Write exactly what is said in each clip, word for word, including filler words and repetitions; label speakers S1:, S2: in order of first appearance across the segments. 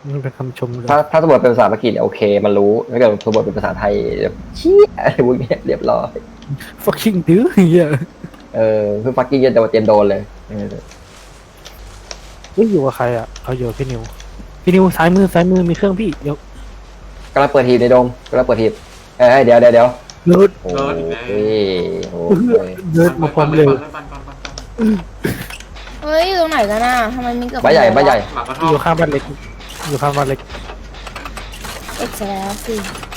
S1: มันเป็นคำชมเลย
S2: ถ้าถ้าสมมติเป็นภาษาอังกฤษโอเคมันรู้ถ้าเกิดสมมติเป็นภาษาไทยแบบเชี่ยอะไรพวกเนี้ยเรียบร้อย
S1: fucking ดื้อเฮีย
S2: เออคือฟักกิ้งจะโดนเตรียมโดนเลยเออ
S1: เฮ้ยอยู่กับใครอ่ะเอาอยู่กับพี่นิวพี่นิวซ้ายมือซ้ายมือมีเครื่องพี่เดี๋ยว
S2: กำลังเปิดทีมในโดมกำลังเปิดทีมเอ้ยเดี๋ยวเดี๋ยวเดี๋ยว
S1: เนิร์ด
S2: โอ้ยโอ้ย
S1: เนิร์ดมาความเร็ว
S3: ปั่นปั่นปั่นปั่นปั่น
S4: เฮ้ยอยู่ตรงไหนกันน่ะทำไมมีกับ
S2: บ้านใหญ่บ้านใหญ่
S3: หลังกระ
S1: อ
S3: ท่อม
S1: ยู่ข้างบ้านเล็กอยู่ข้างบ้านเล็ก
S4: เอ็กซ์แล้วสิ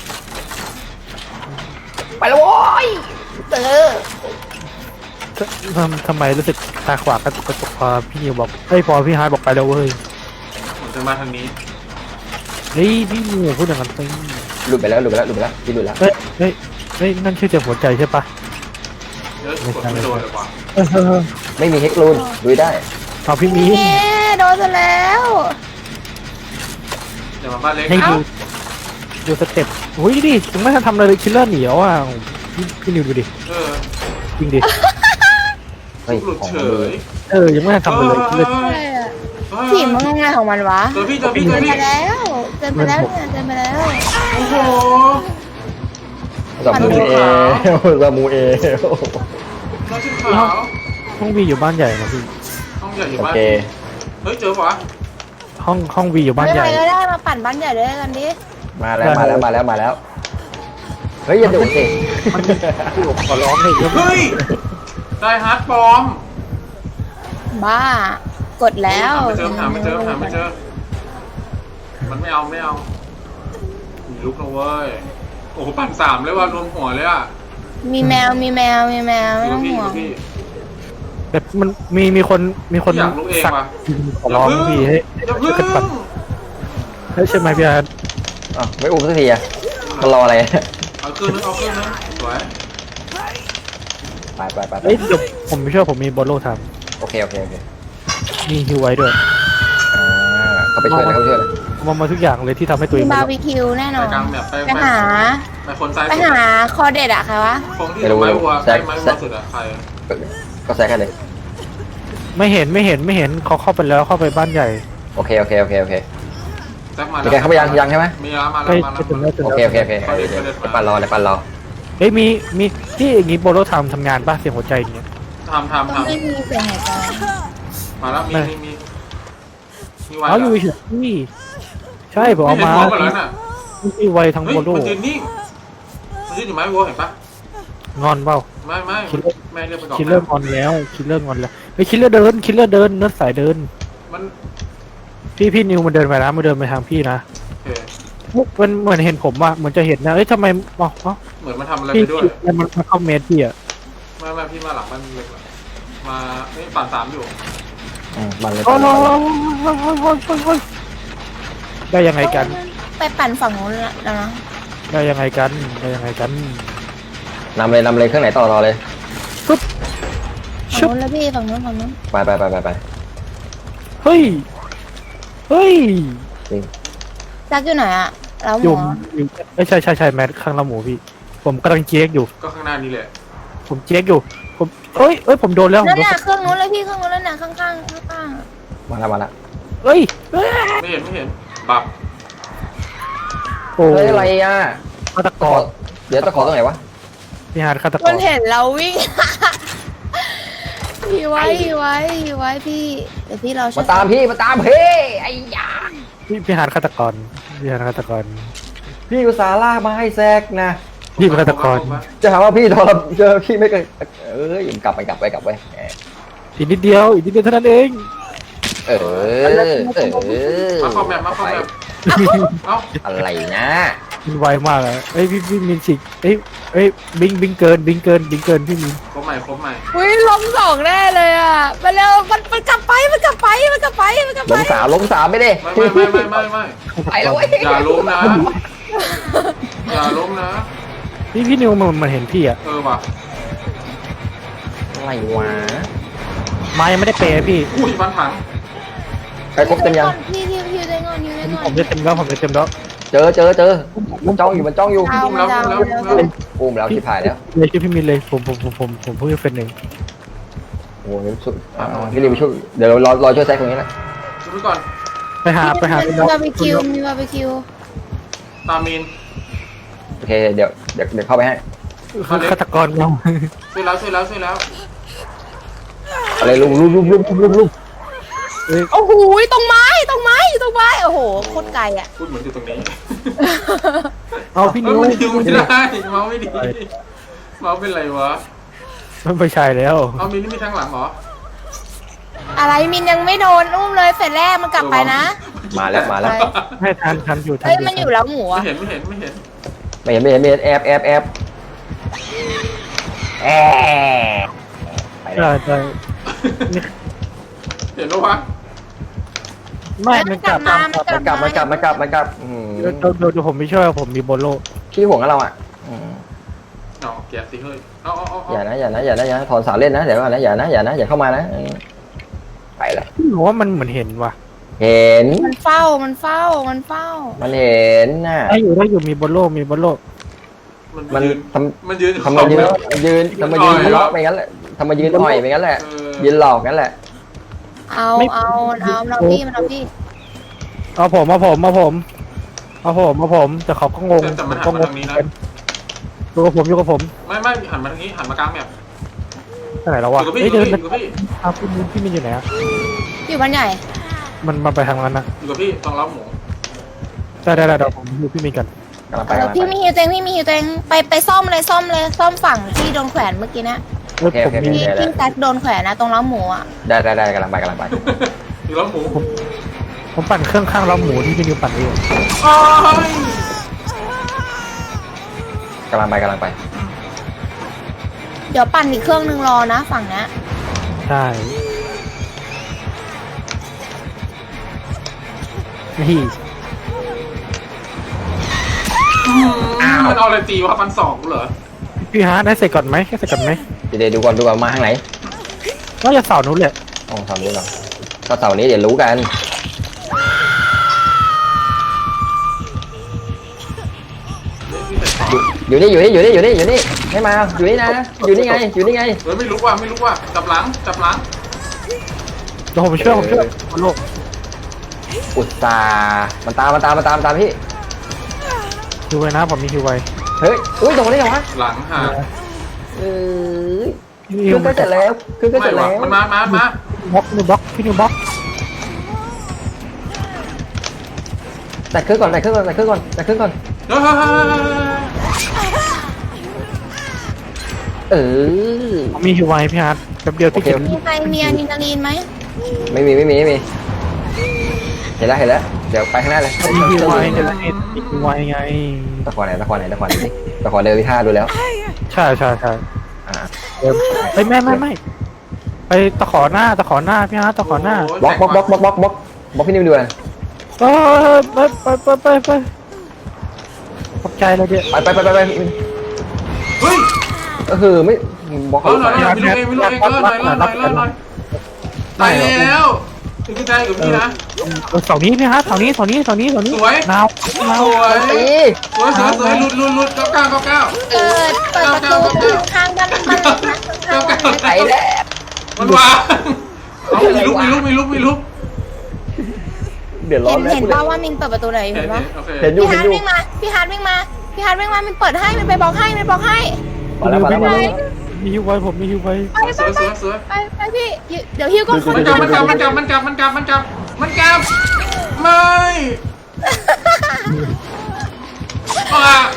S2: ไปแล้วโว้ยเจอ
S1: ทำทำไมรู้สึกตาขวางกระตุกกระตุกพอพี่นิวบอกเอ้ยพอพี่ฮาร์ดบอกไปแล้วเว้ย
S3: ผมจะมาทางนี้
S1: เฮ้ยพี่นิวพูดอย่างนั้นไป
S2: หลุดไปแล้วหลุดไปแล้วหลุดไปแล้วพี่หลุดแล้ว
S1: เฮ้ยเฮ้ยเฮ้ยนั่นชื่อเจ็บหัวใจใช่ปะ
S3: เยอะกดไม่โดนเลยว่ะ
S1: เออเออ
S2: ไม่มีเฮกลูนลุยได้
S1: เอาพี่มี
S4: เย้โดนซะแล้ว
S3: เดี๋ยวมาบ้านเล็ก
S1: ให้ดูดูสเต็ปโอ้ยดิยังไม่ทันทำอะไรเลยคิลเลอร์เหนียวอ่ะพี่พี่นิวดูดิ
S3: เออ
S1: จริงดิ
S2: เฮ้ย
S3: หลุด
S2: ของ
S3: เฉ
S2: มันดี
S3: ย
S1: เออยังไม่ทันทำอะไรเลยคิลเลอร์
S4: ใช่อะผีมันง่ายของมันวะ
S3: เจอพี่เจอพี่เจ
S4: เดิ
S3: อน พี่
S4: ไปแล้วเดินไปแล้วเนี่ยเดินไปแล้ว
S3: โอ้โห
S2: สมูเอสมูเอ
S3: น้องชิ้นขาว
S1: ห้องวีอยู่บ้านใหญ่นะพี่
S3: ห้องใหญ่อยู่
S2: โอ
S3: บ้าน
S2: เค
S3: เฮ้ยเจอปะ
S1: ห้องห้องวีอยู่บ้าน
S4: ไม่
S1: ให
S4: ใคร
S1: ญ่
S4: ก็ได้มาปั่นบ้านใหญ่ด้วยกันดิ
S2: มาแล้วมาแล้วมาแล้วมาแล้วเฮ้ยอย่าดุสิ
S1: ขอร้องเลย
S3: เฮ้ยได้ฮาร์ดปลอม
S4: บ้ากดแล้ว
S3: หาไม่เจอหาไม่เจอหาไม่เจอมันไม่เอาไม่เอามีลุกนะเว้ยโอ้โหปั่นสามเลยว่ะรวมหัวเลยอ่ะ
S4: มีแมวมีแมวมีแมวไม่ต้อง
S3: พี่
S4: ห่วง
S3: พี่
S1: แต่มันมีมีคนมีคน
S3: อยากรู้เอง
S1: สัก
S3: ว่ะ
S1: ขอร้องพี่ให้
S3: อย่า
S1: ช่
S3: พึ่
S1: วยกันปั่น
S3: ง
S1: เฮ้ยใช่ไหมพี่อาร์ต
S2: อ่ะไม่อุ้มสักทีอะมันรออะไร
S3: เอาเครื่องนึงเอาเครื่องนึงสวย
S2: ไปไปไปไป
S1: เฮ้ยเดี๋ยวผมไม่เชื่อผมมีบอลโลท
S2: โอเคโอเคโอเค
S1: ำมีฮิวไว้ด้วย
S2: อ่าเขาไปช่วยเลยเขาไปช่วยเลย
S1: มามาทุกอย่างเลยที่ทำให้ตัวเอ
S4: มี
S1: ง
S4: บาร์บีคิวแน่น
S3: ไป
S4: อน
S3: กลางแบบไป
S4: ไปหา
S3: ไปคนซ้าย
S4: ไป
S3: สุด
S4: หาคอเด็ดอะใครวะ
S3: คงที่ถือไม้วัวใช้ไม้วัวสุดอะใคร
S2: ก็แซกกันเลย
S1: ไม่เห็นไม่เห็นไม่เห็นเขาเข้าไปแล้วเข้าไปบ้านใหญ่
S2: โอเคโอเคโอเคโอเค
S3: แจ็คมา
S2: มีใครเข้าไปยังยังใช่ไหม
S3: มีแล้วมาแล้
S1: ไป
S3: วมา
S1: ไปถึง
S3: แล้
S1: แล้ว วถึง
S2: โอ
S1: แล้ว
S2: เคโอเคโอเคเดี๋ยวเดี๋ยวปั่นรอเดี๋ยวปั่นรอ
S1: เฮ้ยมีมีที่อย่างงี้บอลโลทำทำงานป่ะเสียงหัวใจอย่างเงี้ย
S3: ทำทำ
S4: ต้อง
S3: ทำ
S4: ไม่มีเสียงหายใจ
S3: มาแล้วมีมีมีมีไว
S1: เอาอยู่เฉยๆนี่ใช่ผมเอามา
S3: เห็นหัวหมดแล้วน่ะ
S1: มีไวทั้ง
S3: เฮ้ย
S1: บอลโล
S3: มันยืนนิ่งมันยืนอยู่ไม้วัวเห็นปะ
S1: งอนเปล่า
S3: ไม่ไม่ไม่เรียกไปก่อน
S1: คิลเลอร์งอนแล้วคิลเลอร์งอนแล้วเฮ้ยคิลเลอร์เดินคิลเลอร์เดินเนื้อสายเดิน
S3: มัน
S1: พี่พี่นิวมันเดินไปนะมันเดินไปทางพี่นะ
S3: โอเค
S1: มันเหมือนเห็นผมอะเหมือนจะเห็นนะเอ้ยทำไมอ๋ออ๋อ
S3: เหมือนมันทำอะไร
S1: พี่
S3: ไปด้วย
S1: พี่มันมันเข้าเมสพี่อะ
S3: ไม่ไม่พี่มาหลังมันเล็กมาเอ้ยปั่นสามอยู่
S2: อืมปั่นเลย
S1: โอ้
S2: ปั่น
S1: โห
S2: เลย
S1: ได้ยังไงกัน
S4: ไปปั่นฝั่งนู้นแล้วนะ
S1: ได้ยังไงกันได้ยังไงกัน
S2: นำเลยนำเลยเครื่องไหนต่อต่อเลย
S4: ฝั่ง
S1: ชุบ
S4: นู้นแล้วพี่ฝั่งนู้นฝั่งนู้น
S2: ไปไปไปไปไป
S1: เฮ้ยเฮ้ย
S2: จริง
S4: จักอยู่ไหนอะแล้วหม
S1: อยู่
S4: อ
S1: อยู่ไม่ใช่ใช่ใช่แมทข้างละหมูพี่ ผมกำลังเจ๊กอยู่
S3: ก็ข้างหน้านี้แหละ
S1: ผมเจ๊กอยู่ผมเอ้ยเอ้ยผมโดนแล้วผม
S4: นั่น
S1: โดน
S4: น่ะเครื่องนู้นเลยพี่เครื่องนู้นแล้วน่ะข้างข้างข้างข้าง
S2: มาแล้วมาแล้ว
S1: เอ้ยเอ้ย
S3: ไม่เห็นไม่เห็นบับ
S1: โอ้
S2: เฮ้ยอะไรอ่ะ
S1: ฆาตก
S2: ขอ
S1: ร
S2: เดี๋ยวตะขอตรงไหนวะ
S1: พี่ฮาร์ดฆาตก
S4: มั
S1: ร
S4: นเห็นเราวิ่ง พี่ไว้พี่ไว้พี่ไว้พี่เดี๋ยวพี่เราช่ว
S2: มาย ตามพี่มาตามพี่ไอ้ยา
S1: พี่พี่ฮาร์ดฆาตกรพี่ฮาร์ดฆาตกร
S2: พี่อุตส่าห์ลากมาให้แซกนะ
S1: พี่เป็นฆาตกร
S2: จะหาว่าพี่ทรมเจอพี่ไม่เคยเอ้ยกลับไปกลับไปกลับไป
S1: อีกนิดเดียวอีกนิดเดียวเท่านั้นเอง
S2: เออเออ
S3: มาคอมแบบมาคอมแบบเอ้า
S2: อะไรนะ
S1: มันไวมากอะเอ้ยพี่พี่มินสิเอ้ยเอ้ยบิงบิงเกินบิงเกินบิงเกินพี่มิน
S3: ครบใหม่ครบใหม่
S4: อุ้ยล้มสองแน่เลยอ่ะมาเร็วมันมันกลับไปมันกลับไปมันกลับไปมันกลับ
S2: ล
S4: ไป
S2: งสามลงสามไม่ได้
S3: ไม่ไม่ไม่ไม่ไม่ไม่
S2: ไปแล้วเว้ย
S3: อย่าล้มนะอย่าล้มนะ
S1: พี่พี่นิวมันมันเห็นพี่อะ
S3: เออว่ะ
S2: อะไรวะ
S1: มายังไม่ได้เปย์พี่
S3: อุ้ยบ้านถัง
S2: ใครครบเต็มยัง
S4: พี่พี่พี่ได้งอนพี่ได้งอ
S1: ผ
S4: น
S1: มจะเต็มแล้วผมจะเต็มแล้ว
S2: เจอเจอเจอมันจ้องอยู่มันจ้องอยู่
S4: ดาวมันดาวมันดาว
S2: อุ้มแล้วที่ผ่านแล้ว
S1: เลยชื่อพี่มินเลยผมผมผมผมผมเพิ่งจะเป็นหนึ่ง
S2: โอ้โหช่วยพี่รีบไปช่วยเดี๋ยวเรารอรอช่วยแซกตรงนี้แหละ
S3: ช่วยก่อน
S1: ไปหาไปหา
S4: มีบาร์บีคิวมีบาร์บีคิว
S3: ตามีน
S2: โอเคเดี๋ยวเดี๋ยวเดี๋ยวเข้าไปให้
S1: ฆาตกรเรา
S3: ช่วยแล้วช่วยแล้วช่วยแล้ว
S2: อะไรลุงลุงลุงลุงลุงลุงลุง
S1: เอ้ย
S4: โอ้โหตรงไม้ตรงไม้ตรงไม้โอ้โหโคตรไกลอ่ะ
S3: พูดเหมือนอยู่ตรงนี้
S1: เอาพี่
S3: เอ้
S1: นิ
S3: ยว มันยิงไม่ได้เมาส์ไม่ดีเมาส์เป็นไรวะ
S1: มันไม่ใช่แล้ว
S3: เอามีนนี่มีทางหลังเหรอ
S4: อะไรมินยังไม่โดนอุ้มเลยเสร็จแรกมันกลับไปนะ
S2: มาแล้วมาแล้ว
S1: ให้ทันทันอยู่ทัน
S4: เฮ้ย
S1: อยู่
S4: มันอยู่แล้วหมู
S3: ไม่
S4: อ่ะ
S3: เห็นไม่เห็นไม่เห็น
S2: ไม่เห็นไม่เห็นไม่เห็นแอบแอบแอบแอบไปแล้
S1: ใช่
S2: ว
S1: ใช่
S3: เห็นปะวะ
S1: ไม่มันกลับ
S4: มา
S1: กลับ
S2: มันกลับมันกลับมันกลับมันกลับอืม
S1: เดี๋ยวเดี๋ยวเดี๋ยวผมไม่ช่วยผมมีโบโล
S2: ขี้ห่วงกับเราอ่ะอืม
S3: เอาแกะสิเฮ้ยเอาเอาเอาเอา
S2: อย่านะอย่านะอย่านะอย่านะถอนสารเล่นนะเดี๋ยวก่อนนะอย่านะอย่านะอย่าเข้ามานะอืมไปละ
S1: หนูว่ามันเหมือนเห็นว่ะ
S2: เห็น
S4: มันเฝ้ามันเฝ้ามันเฝ้า
S2: มันเห็นน่ะ
S1: ได้อยู่ได้อยู่มีโบโลมีโบโล
S3: มัน
S2: มัน
S3: ยืน
S2: ท
S3: มันยืน
S2: ำทำมายืนยืนทำมายืนทะเลาะไปงั้นแหละทำมายืนอ่อยไปงั้นแหละ
S3: เออ
S2: ยืนหลอกงั้นแหละ
S4: เอาเอาเอาเราพี่มันเอาพี่
S1: เอาผมเอาผมเอาผมเอาผมเอาผมแต่เขาก็งง
S3: แต่แต่มันหั
S1: ก็
S3: น
S1: ง
S3: มาง ทางนี้นะ
S1: อยู่กับผมอยู่กับผม
S3: ไม่ไม่หันมาทางนี้หันมากลางแบบ
S1: ที่ไหนแล้ว
S3: อ
S1: วะ
S3: ยู่กับพี่
S1: เฮ้ย
S3: อยู่
S1: เดิน
S3: กับพี่อยู่กับพี่
S1: เอาพี่มินพี่มินอยู่ไหนอะ
S4: อยู่บ้านใหญ่
S1: มันมันไปทางนั้นนะ
S3: อยู่กับพี่ตรงเล้าหมู
S1: ได้ได้ได้เดี๋ยวผมอยู่พี่มินกัน
S2: กำลังไป
S4: เออก
S2: ำลัง
S4: พี่
S2: ไป
S4: มีฮิวตัวเองพี่มีฮิวตัวเองไปไปซ่อมเลยซ่อมเลยซ่อมฝั่งที่โดนแขวนเมื่อกี้นะ
S1: เอ้ยผมมี
S4: ที่ที่แซกโดนแขวนนะตรงเล้าหมูอ่ะ
S2: ได้ได้ได้กำลังไปกำลังไป
S3: อยู่เล้าหมู
S1: ผมปั่นเครื่องข้างล้อหมูที่พี่นิวปั่นเอง
S3: โอ้ย
S2: กำลังไปกำลังไป
S4: เดี๋ยวปั่นอีกเครื่องนึงรอนะฝั่งนี้
S1: ใช่นี่
S3: มันเอาอะไรตีวะฟันสองกูเหรอ
S1: พี่ฮาร์ดได้เสร็จก่อนไหมแค่เสร็จก่อนไหม
S2: เดี๋ยวดูก่อนดูก่อนมาทางไหน
S1: ก็จะเสาร์นู้นแหละ
S2: อ๋อเสาร์นี้เหรอก็เสาร์นี้เดี๋ยวรู้กัน อยู่อยู่นี่อยู่นี่อยู่นี่อยู่นี่อยู่นี่ให้มาอยู่นี่นะอยู่นี่ไงอยู่นี่ไง
S3: เฮ้ยไม่รู้ว่าไม่รู้ว่าจับหลังจับหลัง
S1: เดี๋ยวผมไปช่วยผมช่วยโบโล
S2: อุตส่าห์มันตามมันตามมันตามตามพี่
S1: ฮิวไว้นะผมมีฮิวไว้
S2: เฮ้ยอุ้ยตรงนี้เหรอวะ
S3: หลังห่าง
S2: เอ้ย
S1: พี่
S2: เค
S1: นิ
S2: รื่
S1: ว
S2: องก็เสร็จแล้วเครื่องก็เส
S3: ไม่
S2: ร็จ
S3: วะ
S2: แล้ว
S3: มันมามามา
S1: บล็อกพี่นิวบล็อกพี่นิวบล็อก
S2: แต่เครื่องก่อนแต่เครื่องก่อนแต่เครื่องก่อนแต่เครื่องก่อน
S3: เฮ้ย
S2: เออ
S1: ผมมีฮิวไว้พี่ฮาร์ดแป๊บเดียวที่เก็บ
S4: มีใครมีอะดรีนาลีนไหม
S2: ไม่มีไม่มีไม่มีเห็นแล้วเห็นแล้วเดี๋ยวไปข้างหน้าเลย
S1: มีฮิวไว้เดี๋ยวมีฮิวไว้ไง
S2: ตะขอไหนตะขอไหนตะขอไหนดิตะขอเดินวิท่าดูแล้ว
S1: ใช่ใช่ใช่
S2: อ่า
S1: เดิมเฮ้ยไม่ไม่ไม่ไปตะขอหน้าตะขอหน้าพี่ฮาร์ดตะขอหน้า
S2: บล็อกบล็อกบล็อกบล็อกบล็อกบล็อกบล็อกพี่นิวดูเลย
S1: เออไปไปไปไปไปขอบใจเลยเดี๋ยว
S2: ไปไปไปไปไป
S3: เฮ้ย
S2: ก็คือไม่บล็อก
S3: เออหน่อยหน่อยไม่รู้เองไม่รู้เองเออหน่อยหน่อยหน่อยหน่อยหน่อยตายแล้วถึงจะได้กับพี่นะ
S1: เสาร์นี้พี่ฮาร์ดเสาร์นี้เสาร์นี้เสาร์นี้เสาร์นี้
S3: สวย
S1: หนาวหนาว
S3: สวย
S2: ตี
S3: สวยสวยสวยหลุดหลุดหลุดเก้าเก้าเก้าเก้า
S4: เปิดเปิดประตูข้างบ้านบ้านเล็กนะข้างบ้านเล็ก
S2: ไปแล้ว
S3: มันวางเอามีลุกมีลุกมีลุกมีลุก
S2: เดือดร้อ
S4: เห็
S2: น
S4: น
S2: แล้ว
S4: เห็นป่าว่ามินเปิดประตูไหน
S3: โอ
S4: เห็น
S3: เค
S4: ปะ
S3: โอเค
S2: เห็นอยู่
S4: พี่
S2: เห็
S4: ฮาน ร์ด
S2: อยู่
S4: วิ่งมาพี่ฮาร์ดวิ่งมาพี่ฮาร์ดวิ่งมามินเปิดให้มันไปบล็อกให้มันบล็อกให้
S2: มาแล้วมาแล้วมาแล้ว
S1: มีฮิวไว้ผมมีฮิวไว้
S4: ไปไป
S3: สวย
S4: ไป
S3: สวยสวย
S4: ไปไปพี่เดี๋ยวฮิวก็เข้า
S3: มันกลับมันกลับมันกลับมันกลับมันกลับมันกลับมันกลับไม่อ่ะ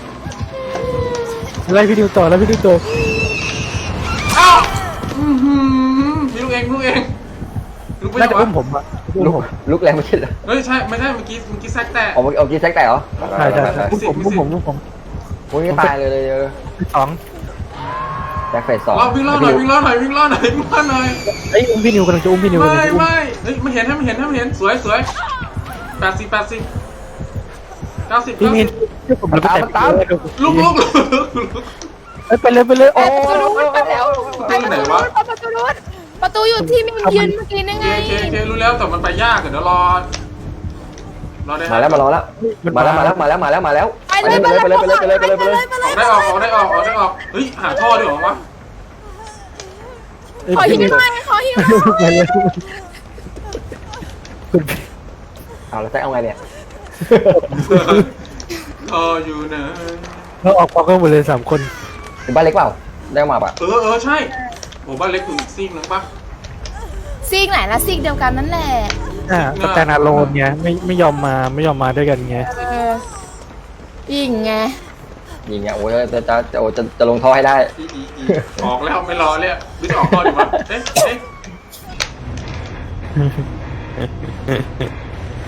S1: ไล่พี่ดิวต่อแล้วพี่ดิวต่อ
S3: เอ้าอือหือมีลูกเองลูกเองลูกไม่
S1: น่า
S3: ใช่
S1: จะ
S3: วะ
S1: อุ้มผมอะอุ้ม
S2: ลุก
S1: ผม
S2: ลุกแรงไม่ใช่เหรอ
S3: เฮ้ยใช่ไม่ใช่เมื่อกี้เมื่อกี้แซกแตะ
S2: เอาเมื่อกี้เอากี้แซกแตกเหรอ
S1: ใช่ใช่ใช่อุ้มผมอุ้มผมอุ้มผม
S2: โอ้ยตายเลยเลย
S1: สอง
S2: แซกเฟสสอง
S3: เราวิ่งล่อหน่อยวิ่งล่อหน่อยวิ่งล่อหน่อยวิ่งล่อหน่อย
S1: ไอ้ยอุ้มพี่นิวกำลังจะอุ้มพี่นิวกำลัง
S3: ไม่
S1: จะอุ้ม
S3: ไม่เฮ้ยมันเห็นให้มันเห็นให้มันเห็นสวยสวยแปดสิบแปดสิบเก้าสิบ
S1: พี่
S3: เก้า
S1: มิ
S3: สิ
S1: น
S3: บ
S1: ช่วยผมแล้วไปแต่
S3: ลุกลุกลุกลุก
S1: เอ้ยไปเลยไปเลยโอ้
S4: ประตูนู้นไปแล้ว
S3: ไปไหนวะ
S4: ประตูนู้นประตูอยู่ที่มินยืนเมื่อกี้นี่
S3: เค
S4: ไง
S3: เคเครู้แล้วแต่มันไปยากเดี๋ยวรอรอได้
S2: มาแล้วมารอแล้วมาแล้วมาแล้วมาแล้วมาแล้วมาแล้ว
S4: ไปเลยไปเลย
S2: ไปเลยไปเลยไปเลยไปเลยไปเลย
S4: ไปเลย
S3: ได้ออกออกได้ออกออกได้ออกเฮ้ยหาท่อดีกว่าวะ
S4: ขอฮิวหน่อยขอฮิวหน่อย
S1: ไปเลยคุณ
S2: เอาแล้วแจ็คเอาไงเนี่ย
S3: รออยู่นะ
S1: แล้วออกพร้อมกันหมดเลยสามคน
S2: เป็นบ้านเล็กเปล่าได้มาปะ
S3: เออเออใช่โอ้บ้านเล็กอยู่อีกซีกนึงปะ
S4: ซีกไหนละซีกเดียวกันนั่นแหละ
S1: อ่าสแตนอะโลนไงไม่ไม่ยอมมาไม่ยอมมาด้วยกันไง
S4: เออยิงไง
S2: ยิงเนี่ยโอ้ยจะจะจะโอ้จะจะลงท่อให้ได้
S3: อีอีอีออกแล้วไม่รอเลยอะบิ๊กออกก่อนดีวะเอ๊ะเอ๊ะ